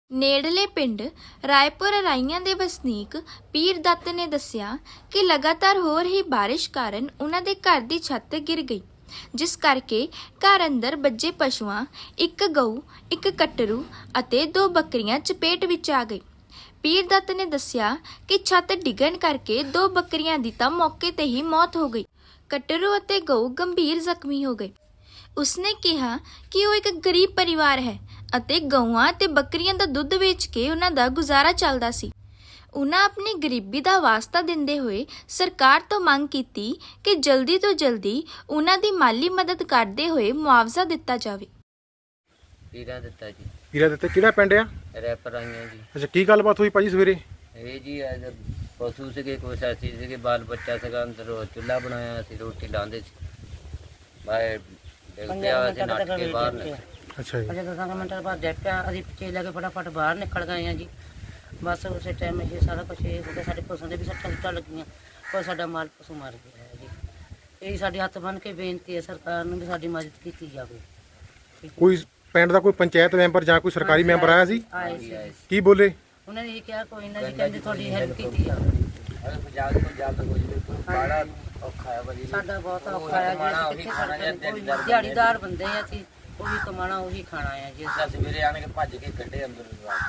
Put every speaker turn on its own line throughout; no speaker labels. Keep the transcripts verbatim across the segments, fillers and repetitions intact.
ਨੇੜਲੇ ਪਿੰਡ ਰਾਏਪੁਰ ਰਾਈਆਂ ਦੇ ਵਸਨੀਕ ਪੀਰ ਦੱਤ ਨੇ ਦੱਸਿਆ ਕਿ ਲਗਾਤਾਰ ਹੋ ਰਹੀ ਬਾਰਿਸ਼ ਕਾਰਨ ਉਹਨਾਂ ਦੇ ਘਰ ਦੀ ਛੱਤ ਗਿਰ ਗਈ, ਜਿਸ ਕਰਕੇ ਘਰ ਅੰਦਰ ਬੱਝੇ ਪਸ਼ੂਆਂ, ਇੱਕ ਗਊ, ਇੱਕ ਕਟਰੂ ਅਤੇ ਦੋ ਬੱਕਰੀਆਂ ਚਪੇਟ ਵਿੱਚ ਆ ਗਈ। ਪੀਰ ਦੱਤ ਨੇ ਦੱਸਿਆ ਕਿ ਛੱਤ ਡਿੱਗਣ ਕਰਕੇ ਦੋ ਬੱਕਰੀਆਂ ਦੀ ਤਾਂ ਮੌਕੇ ਤੇ ਹੀ ਮੌਤ ਹੋ ਗਈ। ਕਟਰੂ ਅਤੇ ਗਊ ਗੰਭੀਰ ਜ਼ਖਮੀ ਹੋ ਗਏ। ਉਸਨੇ ਕਿਹਾ ਕਿ ਉਹ ਇੱਕ ਗਰੀਬ ਪਰਿਵਾਰ ਹੈ ਅਤੇ ਗਊਆਂ ਤੇ ਬੱਕਰੀਆਂ ਦਾ ਦੁੱਧ ਵੇਚ ਕੇ ਉਹਨਾਂ ਦਾ ਗੁਜ਼ਾਰਾ ਚੱਲਦਾ ਸੀ। ਉਹਨਾਂ ਆਪਣੀ ਗਰੀਬੀ ਦਾ ਵਾਸਤਾ ਦਿੰਦੇ ਹੋਏ ਸਰਕਾਰ ਤੋਂ ਮੰਗ ਕੀਤੀ ਕਿ ਜਲਦੀ ਤੋਂ ਜਲਦੀ ਉਹਨਾਂ ਦੀ ਮਾਲੀ ਮਦਦ ਕਰਦੇ ਹੋਏ ਮੁਆਵਜ਼ਾ ਦਿੱਤਾ ਜਾਵੇ।
ਪੀਰਾ ਦਿੱਤਾ ਜੀ।
ਪੀਰਾ ਦਿੱਤਾ ਕਿਹੜਾ ਪਿੰਡ ਆ?
ਰੈਪਰ ਆਈਆਂ ਜੀ।
ਅੱਛਾ, ਕੀ ਗੱਲਬਾਤ ਹੋਈ ਭਾਜੀ ਸਵੇਰੇ?
ਇਹ ਜੀ ਅੱਜ ਪਸ਼ੂ ਸੀਗੇ, ਕੋਈ ਸਾਥੀ ਸੀਗੇ, ਬਾਲ ਬੱਚਾ ਸੀਗਾ, ਅੰਦਰ ਉਹ ਚੁੱਲ੍ਹਾ ਬਣਾਇਆ ਸੀ, ਰੋਟੀ ਲਾਉਂਦੇ ਸੀ, ਬਾਹਰ ਡਿੱਗ ਪਿਆ ਅਸੀਂ ਨੱਠ ਕੇ ਬਾਹਰ ਨਿਕਲੇ।
ਅੱਛਾ ਜੀ।
ਅਜੇ ਦਸਾਂ ਕੁ ਮਿੰਟਾਂ ਬਾਅਦ ਡਿੱਗ ਪਿਆ, ਅਸੀਂ ਪਿੱਛੇ ਲੈ ਕੇ ਫਟਾਫਟ ਬਾਹਰ ਨਿਕਲ ਗਏ ਹਾਂ ਜੀ। ਬਸ ਉਸੇ ਟਾਈਮ ਇਹ ਸਾਰਾ ਕੁਛ ਇਹ ਹੋ ਗਿਆ, ਸਾਡੇ ਪਸ਼ੂਆਂ ਦੇ ਵੀ ਸੱਟਾਂ ਸੁੱਟਾਂ ਲੱਗੀਆਂ, ਕੋਈ ਸਾਡਾ ਮਾਲ ਪਸ਼ੂ ਮਰ ਗਿਆ ਹੈ ਜੀ। ਇਹ ਸਾਡੇ ਹੱਥ ਬੰਨ੍ਹ ਕੇ ਬੇਨਤੀ ਹੈ ਸਰਕਾਰ ਨੂੰ ਵੀ ਸਾਡੀ ਮਦਦ ਕੀਤੀ ਜਾਵੇ।
ਕੋਈ ਪਿੰਡ ਦਾ ਕੋਈ ਪੰਚਾਇਤ ਮੈਂਬਰ ਜਾਂ ਕੋਈ ਸਰਕਾਰੀ ਮੈਂਬਰ ਆਇਆ ਸੀ?
ਆਏ ਸੀ,
ਕੀ ਬੋਲੇ?
ਉਹਨਾਂ ਨੇ ਇਹ ਕਿਹਾ ਕੋਈ ਨਾ ਜੀ, ਕਹਿੰਦੇ ਤੁਹਾਡੀ ਹੈਲਪ ਕੀਤੀ ਜਾਵੇ।
ਜਲਦ ਤੋਂ ਜਲਦ ਹੋ ਜਾਵੇ, ਬੜਾ ਔਖਾ ਹੈ ਭਾਜੀ।
ਸਾਡਾ ਬਹੁਤ ਔਖਾ ਹੈ ਜੀ, ਅਸੀਂ ਕਿੱਥੇ ਸਾਡੇ ਕੋਈ ਦਿਹਾੜੀਦਾਰ ਬੰਦੇ ਆ, ਅਸੀਂ ਉਹੀ ਕਮਾਣਾ ਉਹੀ ਖਾਣਾ ਹੈ ਜੀ।
ਅਸੀਂ ਸਵੇਰੇ ਆਣ ਕੇ ਭੱਜ ਕੇ ਕੱਢੇ ਅੰਦਰ।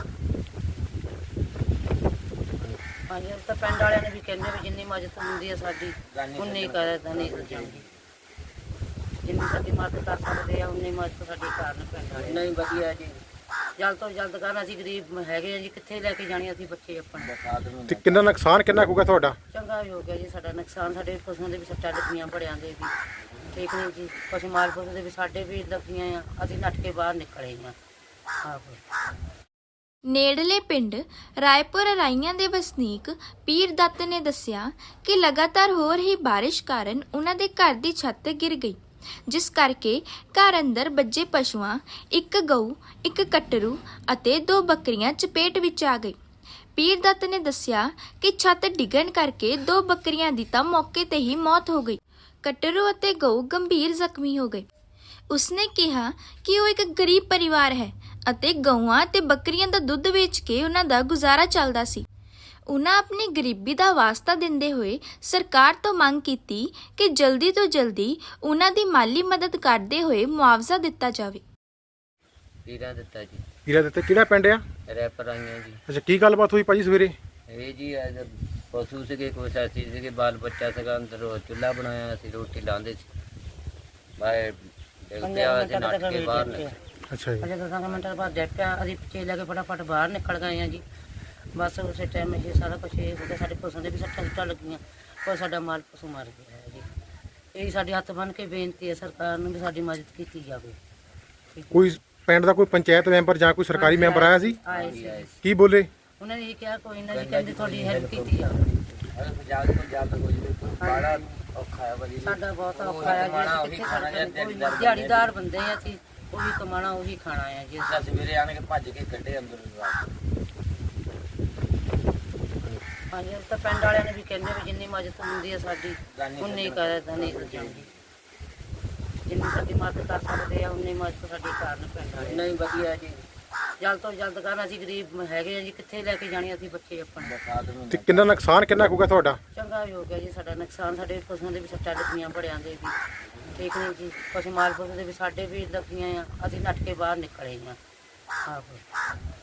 ਹਾਂਜੀ, ਤਾਂ ਪਿੰਡ ਵਾਲਿਆਂ ਨੇ ਵੀ ਕਹਿੰਦੇ ਵੀ ਜਿੰਨੀ ਮਦਦ ਹੁੰਦੀ ਹੈ ਸਾਡੀ ਉਨੀ ਕਰਦਾ ਨਹੀਂ ਜਾਂਦੀ, ਜਿੰਨੀ ਸਾਡੀ ਮਦਦ ਕਰ ਸਕਦੇ ਆ ਉਨੀ ਮਦਦ ਸਾਡੀ ਕਰਨ ਪਿੰਡ ਵਾਲੇ।
ਨਹੀਂ ਵਧੀਆ ਜੀ,
ਜਲਦ ਤੋਂ ਜਲਦ ਕਰਨ। ਅਸੀਂ ਗਰੀਬ ਹੈਗੇ ਆ ਜੀ, ਕਿੱਥੇ ਲੈ ਕੇ ਜਾਣੀ ਅਸੀਂ ਬੱਚੇ ਆਪਣੇ।
ਤੇ ਕਿੰਨਾ ਨੁਕਸਾਨ ਕਿੰਨਾ ਹੋਊਗਾ ਤੁਹਾਡਾ?
ਚੰਗਾ ਵੀ ਹੋ ਗਿਆ ਜੀ ਸਾਡਾ ਨੁਕਸਾਨ, ਸਾਡੇ ਪਸ਼ੂਆਂ ਦੇ ਵੀ ਸੱਟਾਂ ਲੱਗੀਆਂ, ਬੜਿਆਂ ਦੇ ਵੀ ਠੀਕ ਨਹੀਂ ਜੀ, ਪਸ਼ੂ ਮਾਲ ਪਸ਼ੂ ਦੇ ਵੀ ਸਾਡੇ ਵੀ ਲੱਗੀਆਂ ਆ, ਅਸੀਂ ਨੱਠ ਕੇ ਬਾਹਰ ਨਿਕਲੇ ਹਾਂ। ਆਹੋ।
ਨੇੜਲੇ ਪਿੰਡ ਰਾਏਪੁਰ ਰਾਈਆਂ ਦੇ ਵਸਨੀਕ ਪੀਰ ਦੱਤ ਨੇ ਦੱਸਿਆ ਕਿ ਲਗਾਤਾਰ ਹੋ ਰਹੀ ਬਾਰਿਸ਼ ਕਾਰਨ ਉਹਨਾਂ ਦੇ ਘਰ ਦੀ ਛੱਤ ਗਿਰ ਗਈ, ਜਿਸ ਕਰਕੇ ਘਰ ਅੰਦਰ ਬੱਝੇ ਪਸ਼ੂਆਂ, ਇੱਕ ਗਊ, ਇੱਕ ਕਟਰੂ ਅਤੇ ਦੋ ਬੱਕਰੀਆਂ ਚਪੇਟ ਵਿੱਚ ਆ ਗਈ। ਪੀਰ ਦੱਤ ਨੇ ਦੱਸਿਆ ਕਿ ਛੱਤ ਡਿੱਗਣ ਕਰਕੇ ਦੋ ਬੱਕਰੀਆਂ ਦੀ ਤਾਂ ਮੌਕੇ ਤੇ ਹੀ ਮੌਤ ਹੋ ਗਈ। ਕਟਰੂ ਅਤੇ ਗਊ ਗੰਭੀਰ ਜ਼ਖਮੀ ਹੋ ਗਏ। ਉਸਨੇ ਕਿਹਾ ਕਿ ਉਹ ਇੱਕ ਗਰੀਬ ਪਰਿਵਾਰ ਹੈ ਅਤੇ ਗਊਆਂ ਤੇ ਬੱਕਰੀਆਂ ਦਾ ਦੁੱਧ ਵੇਚ ਕੇ ਉਹਨਾਂ ਦਾ ਗੁਜ਼ਾਰਾ ਚੱਲਦਾ ਸੀ। ਉਹਨਾਂ ਆਪਣੀ ਗਰੀਬੀ ਦਾ ਵਾਸਤਾ ਦਿੰਦੇ ਹੋਏ ਸਰਕਾਰ ਤੋਂ ਮੰਗ ਕੀਤੀ ਕਿ ਜਲਦੀ ਤੋਂ ਜਲਦੀ ਉਹਨਾਂ ਦੀ ਮਾਲੀ ਮਦਦ ਕਰਦੇ ਹੋਏ ਮੁਆਵਜ਼ਾ ਦਿੱਤਾ ਜਾਵੇ।
ਪੀਰਾ ਦਿੱਤਾ ਜੀ।
ਪੀਰਾ ਦਿੱਤਾ ਕਿਹੜਾ ਪਿੰਡ ਆ?
ਰੈਪਰ ਆਈਆਂ ਜੀ।
ਅੱਛਾ, ਕੀ ਗੱਲਬਾਤ ਹੋਈ ਭਾਜੀ ਸਵੇਰੇ?
ਇਹ ਜੀ ਅੱਜ ਪਸ਼ੂ ਸੀਗੇ, ਕੋਈ ਸਾਥੀ ਸੀਗੇ, ਬਾਲ ਬੱਚਾ ਸੀਗਾ, ਅੰਦਰ ਉਹ ਚੁੱਲ੍ਹਾ ਬਣਾਇਆ ਸੀ, ਰੋਟੀ ਲਾਉਂਦੇ ਸੀ, ਬਾਹਰ ਡਿੱਗ ਪਿਆ ਅਸੀਂ ਨੱਠ ਕੇ ਬਾਹਰ ਨਿਕਲੇ।
ਅੱਛਾ ਜੀ।
ਅਜੇ ਦਸਾਂ ਕੁ ਮਿੰਟਾਂ ਬਾਅਦ ਡਿੱਗ ਪਿਆ, ਅਸੀਂ ਪਿੱਛੇ ਲੈ ਕੇ ਫਟਾਫਟ ਬਾਹਰ ਨਿਕਲ ਗਏ ਹਾਂ ਜੀ। ਬਸ ਉਸੇ ਟਾਈਮ ਇਹ ਸਾਰਾ ਕੁਛ ਇਹ ਹੋ ਗਿਆ, ਸਾਡੇ ਪਸ਼ੂਆਂ ਦੇ ਵੀ ਸੱਟਾਂ ਸੁੱਟਾਂ ਲੱਗੀਆਂ, ਕੋਈ ਸਾਡਾ ਮਾਲ ਪਸ਼ੂ ਮਰ ਗਿਆ ਹੈ ਜੀ। ਇਹ ਸਾਡੇ ਹੱਥ ਬੰਨ੍ਹ ਕੇ ਬੇਨਤੀ ਹੈ ਸਰਕਾਰ ਨੂੰ ਵੀ ਸਾਡੀ ਮਦਦ ਕੀਤੀ ਜਾਵੇ।
ਕੋਈ ਪਿੰਡ ਦਾ ਕੋਈ ਪੰਚਾਇਤ ਮੈਂਬਰ ਜਾਂ ਕੋਈ ਸਰਕਾਰੀ ਮੈਂਬਰ ਆਇਆ ਸੀ?
ਆਏ ਸੀ,
ਕੀ ਬੋਲੇ?
ਉਹਨਾਂ ਨੇ ਇਹ ਕਿਹਾ ਕੋਈ ਨਾ ਜੀ, ਕਹਿੰਦੇ ਤੁਹਾਡੀ ਹੈਲਪ ਕੀਤੀ ਜਾਵੇ।
ਜਲਦ ਤੋਂ ਜਲਦ ਹੋ ਜਾਵੇ, ਬੜਾ ਔਖਾ ਹੈ ਭਾਜੀ।
ਸਾਡਾ ਬਹੁਤ ਔਖਾ ਹੈ ਜੀ, ਅਸੀਂ ਕਿੱਥੇ ਸਾਡੇ ਕੋਈ ਦਿਹਾੜੀਦਾਰ ਬੰਦੇ ਆ, ਅਸੀਂ ਉਹੀ ਕਮਾਣਾ ਉਹੀ ਖਾਣਾ ਹੈ ਜੀ।
ਅਸੀਂ ਸਵੇਰੇ ਆਣ ਕੇ ਭੱਜ ਕੇ ਕੱਢੇ ਅੰਦਰ।
ਹਾਂਜੀ, ਤਾਂ ਪਿੰਡ ਵਾਲਿਆਂ ਨੇ ਵੀ ਕਹਿੰਦੇ ਵੀ ਜਿੰਨੀ ਮਦਦ ਹੁੰਦੀ ਹੈ ਸਾਡੀ ਉਨੀ ਕਰਦਾ ਨਹੀਂ ਜਾਂਦੀ, ਜਿੰਨੀ ਸਾਡੀ ਮਦਦ ਕਰ ਸਕਦੇ ਆ ਉਨੀ ਮਦਦ ਸਾਡੀ ਕਰਨ ਪਿੰਡ ਵਾਲੇ।
ਨਹੀਂ ਵਧੀਆ ਜੀ,
ਜਲਦ ਤੋਂ ਜਲਦ ਕਰਨ। ਅਸੀਂ ਗਰੀਬ ਹੈਗੇ ਆ ਜੀ, ਕਿੱਥੇ ਲੈ ਕੇ ਜਾਣੀ ਅਸੀਂ ਬੱਚੇ ਆਪਣੇ।
ਤੇ ਕਿੰਨਾ ਨੁਕਸਾਨ ਕਿੰਨਾ ਹੋਊਗਾ ਤੁਹਾਡਾ?
ਚੰਗਾ ਵੀ ਹੋ ਗਿਆ ਜੀ ਸਾਡਾ ਨੁਕਸਾਨ, ਸਾਡੇ ਪਸ਼ੂਆਂ ਦੇ ਵੀ ਸੱਟਾਂ ਲੱਗੀਆਂ, ਬੜਿਆਂ ਦੇ ਵੀ ਠੀਕ ਨਹੀਂ ਜੀ, ਪਸ਼ੂ ਮਾਲ ਪਸ਼ੂ ਦੇ ਵੀ ਸਾਡੇ ਵੀ ਲੱਗੀਆਂ ਆ, ਅਸੀਂ ਨੱਠ ਕੇ ਬਾਹਰ ਨਿਕਲੇ ਹਾਂ। ਆਹੋ।